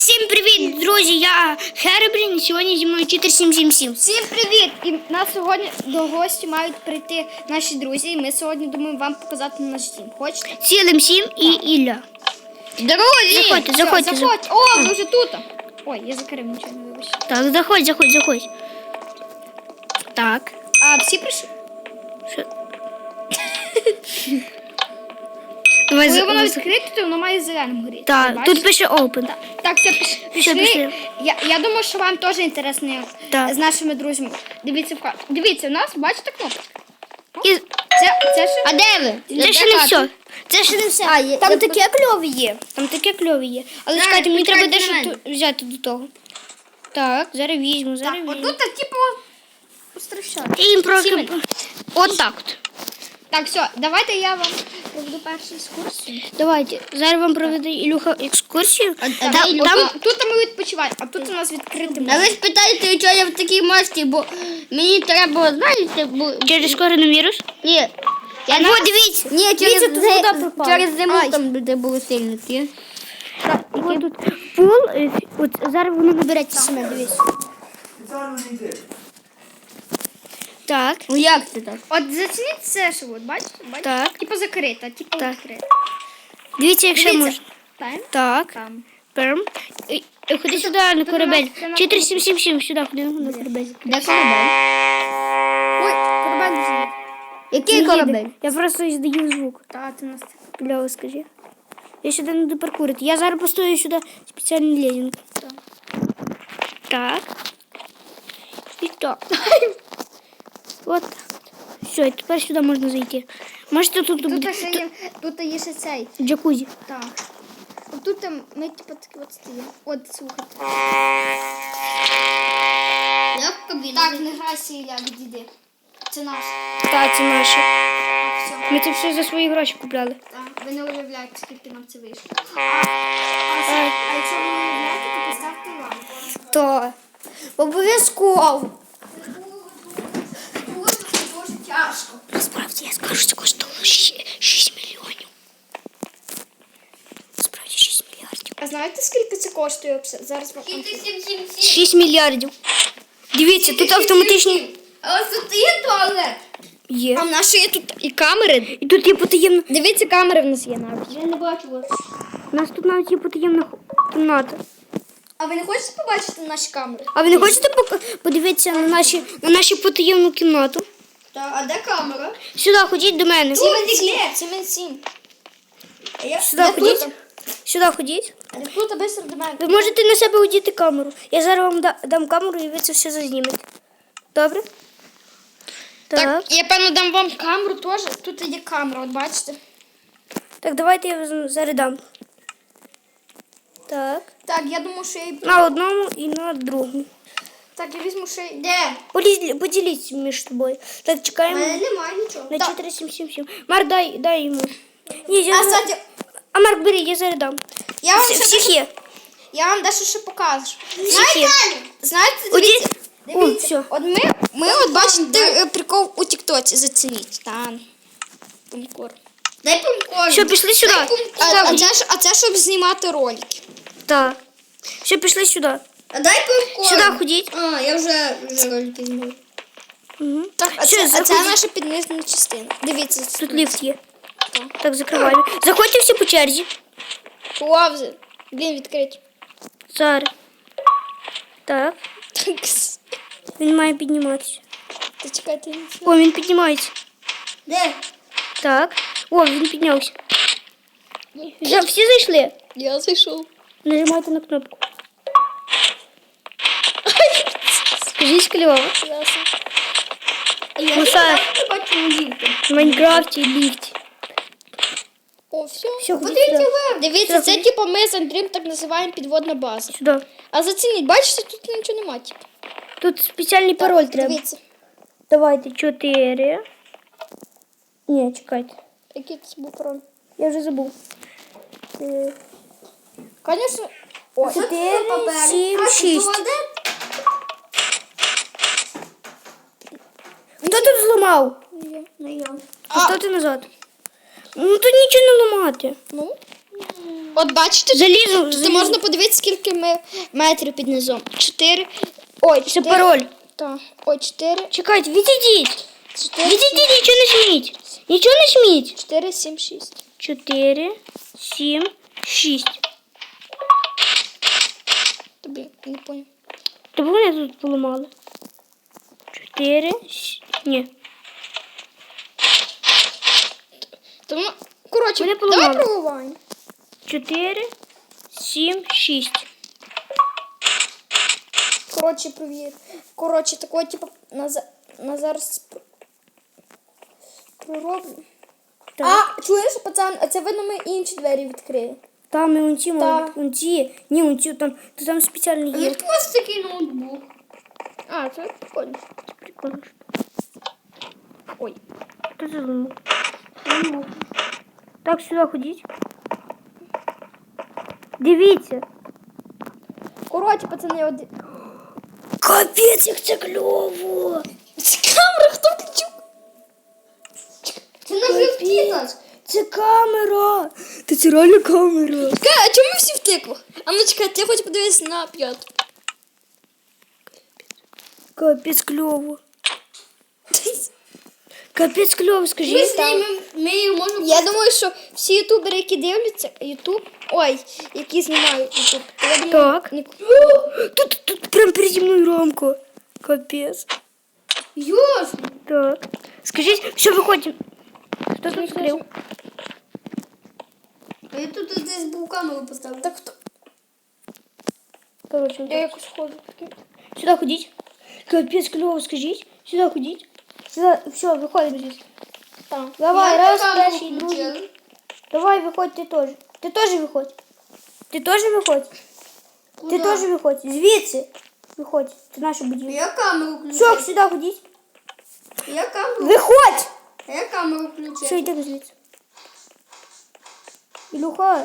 Всім привіт, друзі! Я Хербрін, і сьогодні зі мною Читер 777. Всім привіт! І нас сьогодні до гості мають прийти наші друзі. І ми сьогодні думаємо вам показати наш дім. Хочете? Цілим 7 і Ілля. Друзі! Заходьте. О, ми вже тут. Ой, я закрив нічого, не вибачте. Так, заходь. Так. А, всі прийшли? Що? Давай Коли воно відкрите, то воно має зеленим горіти. Так, Бачите? тут пише Open. Так, все, пішли. пішли. Я думаю, що вам теж інтересно Так. з нашими друзями. Дивіться, у нас, бачите, кнопочка? І... Це ще... А де ви? Це ще не все. Це ще не все. Там таке кльові є. Але Так, чекайте, мені треба почекайте дещо на тут взяти до того. Так, зараз візьму. Отут, типу, постращати. І їм просто... Отак от. Так, все, давайте я вам проведу першу екскурсію. Давайте. Зараз вам проведе Ілюха екскурсію. Тут ми відпочиваємо, а тут у нас відкрите А ви спитаєте, чого я в такій масці, бо мені треба, знаєте, бо... Через коронавірус? Ні. Вот, дивіться. Ні, Дивіться, тут вода пропала. через зиму Ай. там, де були сильники. Ось тут пул, от зараз воно набереться саме, дивіться. Так, Ну як це так? От зацініть це, що от, бачите? Так. Типу закрита, типу Так. відкрита. дивіться, якщо Дивіться. можна. Там. Так, Там. перм. Ходи сюди на корабель. нас- 4777, сюди, ходи на корабель. Де корабель? Ой, корабель дуже. Який корабель? Я просто здаю звук. Та, ти нас... Бля, скажи. Я сюди не допаркурити. Я зараз постою сюди спеціальний лезінг. Так. І так. От так. Все, і тепер сюди можна зайти. Можете тут буде Тут є ще цей. джакузі. Так. Тут там ми типу такі от стоїмо. От, слухайте. Як кабіна? Так, не грайся, Ілля, відійди. Це наш. Так, це наше. Все. Ми це все за свої гроші купляли. Так, ви не уявляєте, скільки нам це вийшло. А якщо ви не уявляєте, то поставте лампу. То обов'язково. Дуже тяжко. Насправді я скажу, це коштувало 6 мільйонів. Насправді 6 мільярдів. А знаєте, скільки це коштує? Зараз вам... 6 мільярдів. Дивіться, тут автоматичні А ось тут є туалет. є. А в нас ще є тут і камери. І тут є потаємна. Дивіться, камери в нас є навіть. Я не бачу вас. У нас тут навіть є потаємна кімната. А ви не хочете побачити наші камери? А ви не хочете подивитися на нашу потаємну кімнату? Так, а де камера? Сюди ходіть до мене. Сімен 7. Сюди ходіть. Сюди ходіть. Тут быстро до мене. Ви можете на себе одіти камеру. Я зараз вам дам камеру і ви це все зазнімете. Добре? Так. Я певно дам вам камеру теж. Тут є камера, от бачите. Так, давайте я вам зараз дам. Так. Так, я думаю, що я її... На одному і на другому. Так, я візьму ще... Де? Поділіться між собою. Так, чекаємо. немає нічого. На Так. 4777. Марк, дай йому. Ні, А, кстати, Марк, бери, я зараз дам. я вам ще... Всіх є. Я вам дещо ще покажу. Всіх є. Знаєте, Одіть. О, дивіться. все. От ми от бачите прикол у тіктоці, зацініть. Там. Пумкор. Дай помкорм. Все, пішли сюди. А це щоб знімати ролики. Так. Все, пішли сюди. А дай помкорм. Сюди ходіть. А, я вже ролики знімаю. Угу. Так, а Все, це заходіть. наша піднизна частина. Дивіться. Тут ліфт є. Так, закриваємо. Заходьте всі по черзі. Лавзи. Він відкритий. Зараз. Так. Так. Він має підніматися. Та чекайте. О, він піднімається. Де? Так. О, він піднявся. Всі зайшли? Я зайшов. Нажимайте на кнопку. Скажіть кльово. Муса Я бачу ліфти. в Майнкрафті ліфт. О, все. Все, ходіть сюди. Дивіться, Все, це типу ми з Андрієм так називаємо підводна база. Сюди. А зацініть, бачите, тут нічого немає. Типу. Тут спеціальний пароль треба. Дивіться. Давайте 4. Ні, чекайте. Який це був пароль? Я вже забув. Звісно. 4, 7, 6. Хто тут зламав? Не я. А хто ти назад? Ну тут нічого не ламати. Ну. От бачите, Залізу. тут можна подивитися, скільки ми метрів під низом. 4. Ой, Це 4. пароль. Так. Ой, 4. Чекайте, відійдіть. 4. Відійдіть, нічого не жміть. Нічого не жміть. 4, 7, 6. 4, 7, 6. Тобі не поняв. Тобі вони тут поламали. 4, ні. Тому, коротше, Вони давай поламали. пробуваємо. 4, 7, 6. Коротше, провір. Коротше, такого, типу, на зараз пророблю. Так. А, чуєш, пацан, а це видно, ми інші двері відкрили. Там і унці, Так. унці. Ні, унці, там спеціально є. У вас такий ноутбук. А, це прикольно. Прикольно. Ой. Що це зламав? Так, сюди ходіть. Дивіться. Коротше, пацани, один. Капець, як це кльово. Це камера, хто включив? Це на жовті нас. Це камера. Та це реально камера. Чекай, а чому ми всі в тиквах? А ну чекай, я хочу подивитися на 5. Капець кльово. Капець кльово, Ми скажіть. знімемо, ми її можемо... Я думаю, що всі ютубери, які дивляться ютуб, ой, які знімають ютуб, я думаю, Так. ні- Тут прям переді мною рамка. Капець. Йосно. Так. Скажіть, що виходимо? Хто тут скрив? А я тут десь був камеру поставив. Так хто? Коротше, Я якось ходжу. сюди ходіть. Капець кльово, скажіть. Сюди ходіть. Сюди, все, виходимо звідси. Так. Давай, Я раз, камеру перший, другий. включила. Давай, виходь, ти теж. Ти теж виходь. Ти теж виходь. Ти Куда? теж виходь. Звідси. Виходь. Це наша будівля. Я камеру Все, включив. сюди ходіть. Я камеру. Виходь! Я камеру Все, включив. йди звідси. Ілюха.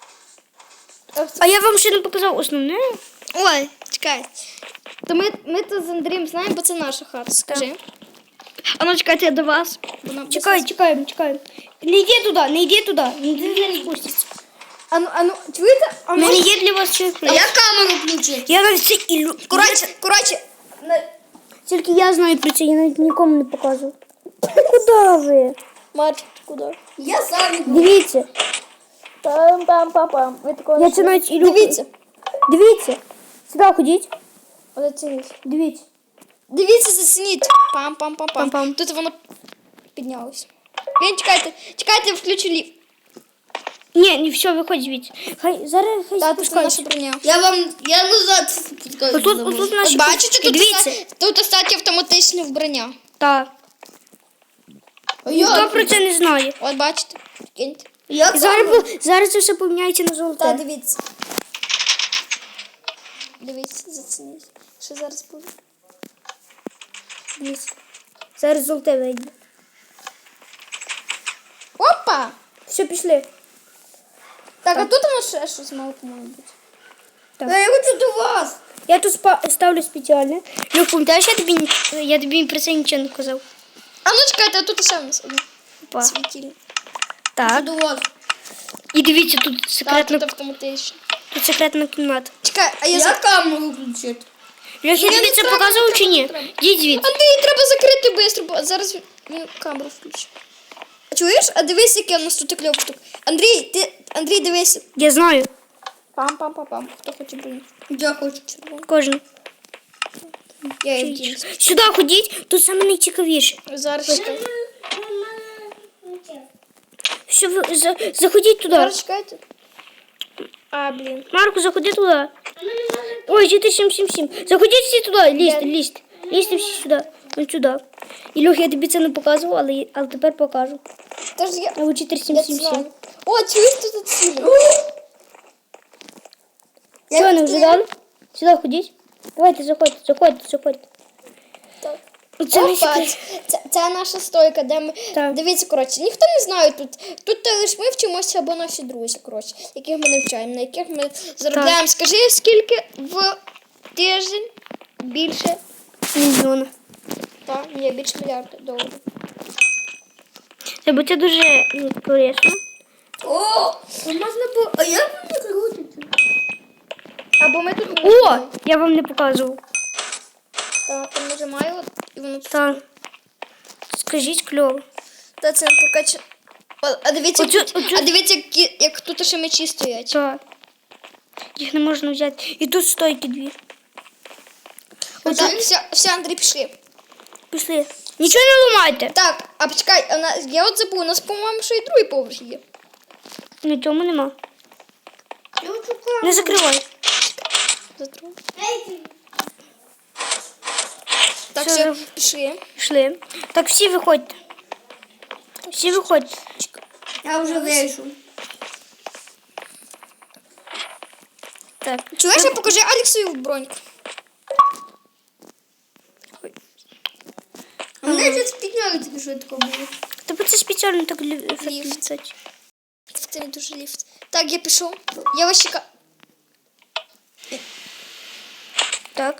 А я вам ще не показав основне. Ой, чекай. То ми тут з Андрієм знаємо, бо це наша хата, скажи. А ну чекайте, я до вас. Чекаємо. Не йди туди, не йди туди. Не спуститься. А ну, чуєте? А У мене є для вас сюрприз. Я камеру включив. Я навіть це Коротше, Тільки я знаю про це, я навіть нікому не показую. Куди ви? Марчик, куди? Я сам іду. Дивіться. Пам-пам-пам-пам. Ви такого Я не це навіть Ілюху. Дивіться. Сюди ходіть. Оцініть. Дивіться. Дивіться, зацініть. Пам-пам-пам-пам. Пам-пам. Тут воно піднялось. Він, чекайте, я включу ліфт. Ні, все, виходь звідси. Зараз хай Та, тут наша спускаються. броня. Я назад спускаюсь. Отут наші От бачите, курточки, тут, дивіться. тут остаті автоматичне вбрання. Так. Ніхто про це не знає. От бачите, прикиньте. Я І камеру. зараз це все поміняється на Та, золоте. дивіться. Дивіться, зацініть. Що зараз буде? Дивіться. Зараз золоте вийде. Опа! Все, пішли. Так, а тут воно ще щось мало, по-моєму, бути. Я хочу до вас. Я тут ставлю спеціально. Люк, пам'ятаєш, я тобі про це нічого не казав. А ну чекайте, а тут ще в нас одне. Опа. Світильник. Так. До вас. І дивіться, тут Так, секретна, тут автоматично. тут секретна кімната. Чекай, а я Я камеру включив. Люк, я Ні, тобі не це треба, показував не чи ні? треба, не Йдіть звідси. Андрій, треба закрити швидко, бо зараз він камеру включить. А чуєш? А дивись, яке у нас тут кльова штука. Андрій, дивись. Я знаю. Пам-пам-пам-пам. Хто хоче броню? Я хочу. Кожен. Я її вдіну. Сюди ходіть, тут саме найцікавіше. Зараз чекай. Все, заходіть туди. Зараз чекайте. А, блін. Марку, заходи туди. Ой, 4777. Заходіть всі туди, лізьте. Лізьте всі сюди. Ось сюди. Ілюх, я тобі це не показував, але тепер покажу. Тож я... А ви Я це 4777. знаю. О, чуєш, тут цілі. Що, не вже дали? Сюди ходіть. Давайте, заходьте. Так. Оце Опа, найцікавіше. це наша стойка, де ми... Так. Дивіться, коротше, ніхто не знає тут. Тут лише ми вчимося або наші друзі, коротше, яких ми навчаємо, на яких ми заробляємо. Скажи, скільки в тиждень більше? Мільйона. Та, ні, більше мільярда доларів. Бо це дуже корисно. О, можна було. А як мені крутиться? Або ми тут О, я вам не показував. Так, там нажимаю, от, і воно тут. Так. Скажіть кльово. Та це не покаче. А дивіться, Оцю- тут, оцю- а дивіться, як тут ще мечі стоять. Так. Їх не можна взяти. І тут стойки дві. Так, все, Андрій, пішли. Пішли. Нічого не ламайте. Так, а почекай, я от забув, у нас, по-моєму, ще й другий поверх є. На цьому нема. Я шукаю. Не закривай. За другий. Ей, Так, Все, все, пішли. Пішли. Так, всі виходьте. Всі виходьте. я вже вийшов. Так. Чуєш, я покажи Алексу броньку. А мене вже підняли тільки швидко було. Тобто це спеціально так ефект Ліфт. літати. Це не дуже ліфт. Так, я пішов. Я вас чекаю. Так.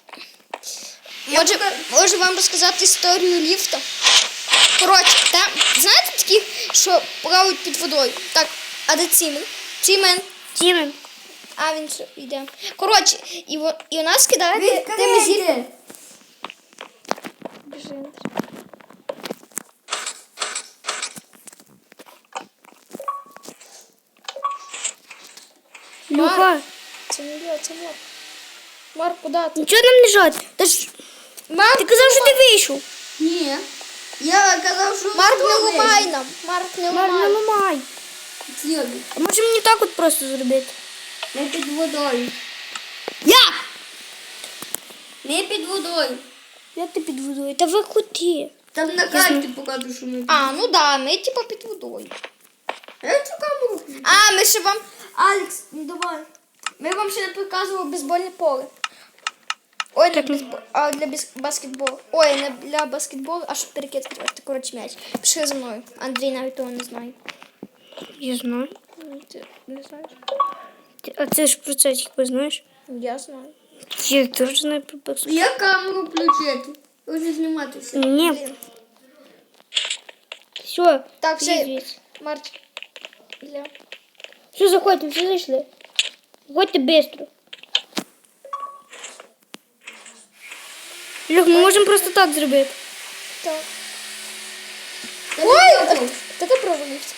Може вам розказати історію ліфта? Коротше, там, знаєте такі, що плавають під водою? Так, а де Цімен? Цімен. Тімен. А, він що, йде. Коротше, і у нас кидають тими зірками. Біжи. Люха. Це не я, це Марк. Марк, куди ти? Нічого нам не жать. Та ж... Марк, Ти казав, що ти вийшов. Ні. Я казав, що Марк, не хто ламай вийшов? нам. Марк, не Марк, не ламай. ламай. З'їду. А може мені так от просто зробити? Не під водою. Я! Не під водою. Я ти під водою. Та ви куди? Там на карті покажу, що ми під. А, ну да, ми типа під водою. Я цю камеру. А, ми ще вам... Алекс, ну давай. Ми вам ще не показували бейсбольне поле. Ой, для баскетболу. Ой, не для баскетболу, а щоб перекидувати, коротше, м'яч. Пішли за мною. Андрій навіть того не знає. Я знаю. Ти не знаєш? А це ж про це хіба знаєш? Я знаю. Я теж знаю про баскетбол. Я камеру включити. Вже зніматися. Ні. Блін. Все. Так, все. звідси. Марч. Для... Все, заходьте, всі зайшли. Заходьте швидко. Люх, ми можемо просто так зробити. Так. Та Ой, не а пробував. та ти провалився.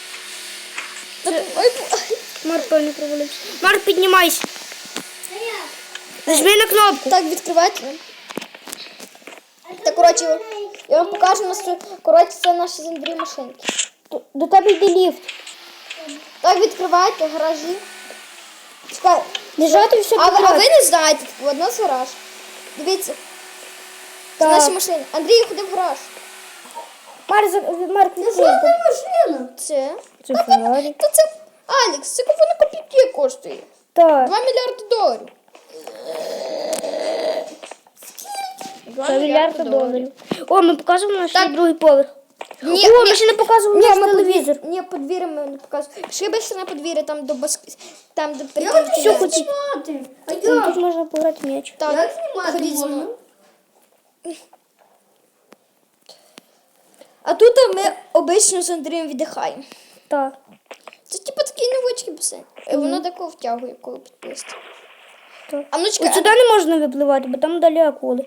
Ой, Марк, певно, провалився. Марк, піднімайся. Нажми на кнопку. так, відкривайте. Так, коротше, я вам покажу, коротше, це наші з Андрієм машинки. До тебе йде ліфт. Так, відкривайте гаражі. Чекай, Лежати все а ви не знаєте, от у нас гараж. Дивіться. Це Так. наші машини. Андрій, ходи в гараж. Марк, Це що за машина? Це? Це Феррарі. Та це Алекс, це купона копійки коштує. Так. 2 мільярди доларів. Це мільярд доларів. О, ми показуємо наш Так. другий поверх. Ні, О, ми ще не показували наш телевізор. Ні, подвір'я ми не показуємо. Пішли ще на подвір'я, там до там, де Я прикинути. хочу Що хотіть? знімати. А Тут як? можна пограти в м'яч. Так, Як знімати ходіть зі можна? мною. А тут ми обично з Андрієм віддихаємо. Так. Це типу такий невеличкий басейн. Воно тако втягує, коли підписати. Так. А ну чекай, От сюди не можна випливати, бо там далі акули.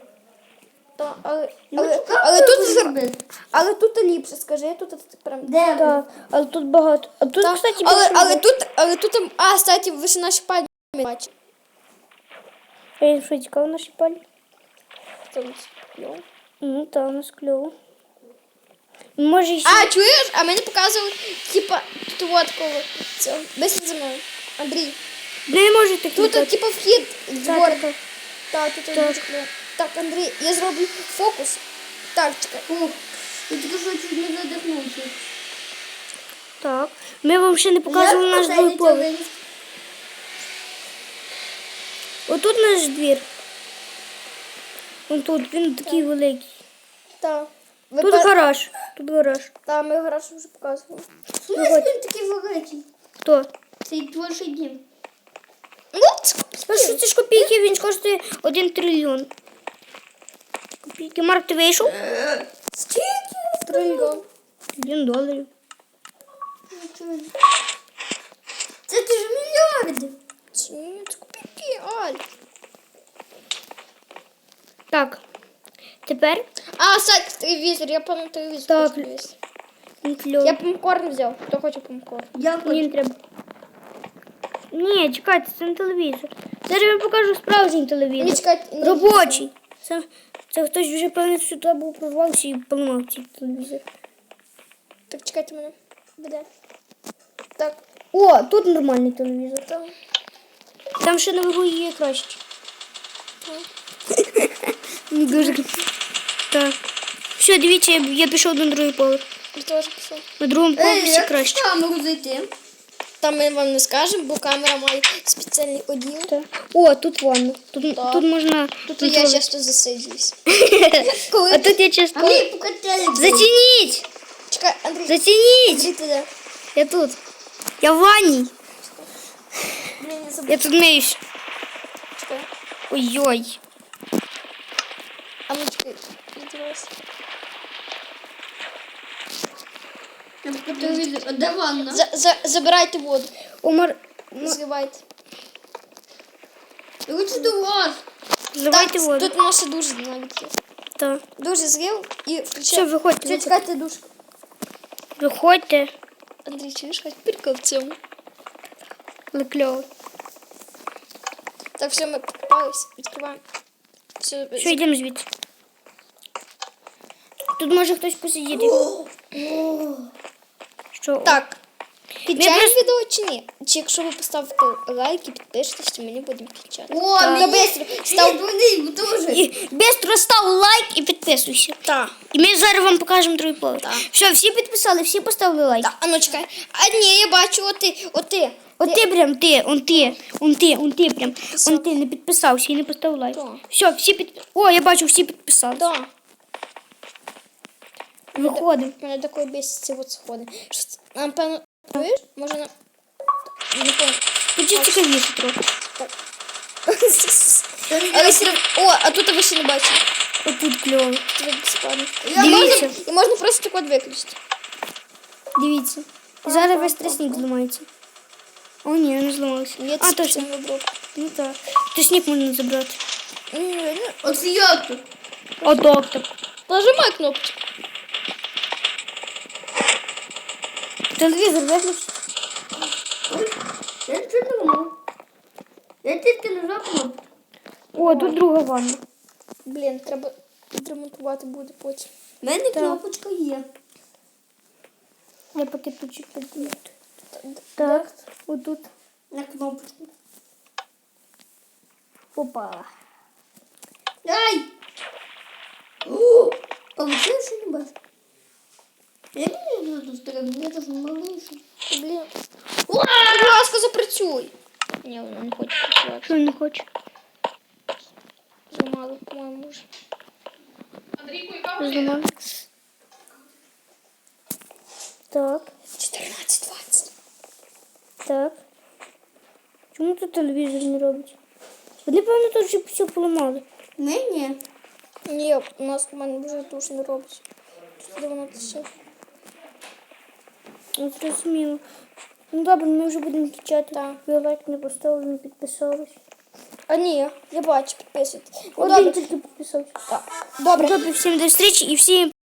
але тут ліпше, скажи, тут прям. Де ви? Так, але тут багато. А тут, Так, кстати, але більше тут, кстати, ви ж наші пальці бачите. Я що, цікаво наші палі? Це ось кльово. Ну, так, у нас кльово. Може, ще... А, чуєш? А ми не показували, типа, тут от коло цього. Быстро за мною. Андрій. Не можете Тут, клікати. типа, вхід в Так, двор. так, так. Так, тут Так. дуже кльово. Так, Андрій, я зроблю фокус. Так, чекай. О, я тільки що чуть не задихнувся. Так. Ми вам ще не показували наш другий поверх. Отут наш двір. Вон тут, він такий великий. Так. Тут гараж. Тут гараж. Так, ми гараж вже показували. Ну, він такий великий. Хто? Цей твій дім. Ну, Що це ж копійки, він коштує 1 трильйон. Копійки. Марк, ти вийшов? трильйон. $1 трильйон. Це ти ж мільярди. Ні, це копійки, Аль. Так. Тепер А, сайт, телевізор, я певно телевізор. Так. хочу дивитися. кльово. Я попкорн взяв. Хто хоче попкорн? Я Мені не треба. Ні, чекайте, це не телевізор. Зараз я вам покажу справжній телевізор. Ні, чекайте, не Робочий. Це хтось вже певно сюди був прорвався і поламав цей телевізор. Так, чекайте мене. Буде. Так. О, тут нормальний телевізор. Там. Там ще наверху є краще. Дуже так. Все, дивіться, я пішов на другий поверх. Я теж пішов. На другому поверсі як краще. в камеру зайти? Там ми вам не скажемо, бо камера має спеціальний оділ. Так. О, тут ванна. Тут, Так. тут можна. Тут я часто засиджуюсь. А тут я часто. Андрій, покатали. Зацініть! Чекай, Андрій. Зацініть! Андрій, ти де? Я тут. Я в ванні. Блін, я забув. Я тут миюсь. Чекай. Ой-ой. А ну чекай. Не дивись. Я по телевізору. А де ванна? Забирайте воду. Омар, Зливайте. Я хочу до вас. зливайте Так, воду. тут наше дуже навіть є. Так. Дуже злив і Все, включай. виходьте. Все, чекайте душ. Виходьте. Андрій, чуєш, хоч прикол в цьому. Але кльово. Так, все, ми попались. Відкриваємо. Все, Що, йдемо звідси. Тут може хтось посидіти. Що? Так. Кінчаємо просто- відео чи ні? Чи якщо ви поставите лайк і підпишетесь, то мені будемо кінчати. О, Та мені бистро. Став. Мені дуже. І бистро став лайк і підписуйся. Так. І ми зараз вам покажемо другий поверх. Так. Все, всі підписали, всі поставили лайк. Так, а ну чекай. А ні, я бачу, оти. От ти прям, он ти прям. Он ти не підписався і не поставив лайк. Так. Все, всі підписали. О, я бачу, всі підписали. Да. Виходимо. Мене такої бесить ці от сходи. Що це? Нам певно, чуєш? Може на... Не помню. Тут же цікавіше трохи. Але все равно... О, а тут ви ще не бачили. Отут кльово. Тут ви складно. Дивіться. І можна просто так от виключити. Дивіться. І зараз весь тростник зламається. О, ні, не зламався. Ні, А, це точно. спеціальний оброк. Ну так. Тростник можна забрати. От як тут? О, доктор. Нажимай кнопочку. Телевізор виключи. Я нічого не ламав. Я тільки нажав кнопку. О, тут друга ванна. Блін, треба відремонтувати буде потім. У мене кнопочка є. Я поки почекаю. Так, отут. На кнопочку. Опа. Ай! О! Получилось чи не бачу? Я не знаю, тут стрибну, я теж малийший. Блін. Будь ласка, запрацюй. Ні, вона не хоче працювати. Що не хоче? Замало, по-моєму, вже. Зламав. Так, 14:20. так. Чому тут телевізор не робить? Вони, певно, тут вже все поламали. Ні. Ні, у мене вже душ не робить. Де вона тече? Ну, зрозуміло. Ну добре, ми вже будемо кінчати. Так. Ви лайк не поставили, не підписались. А ні, я бачу, підписуйтесь. Ну, Один добре. тільки підписався. Так. Добре. Добре, всім до зустрічі і всім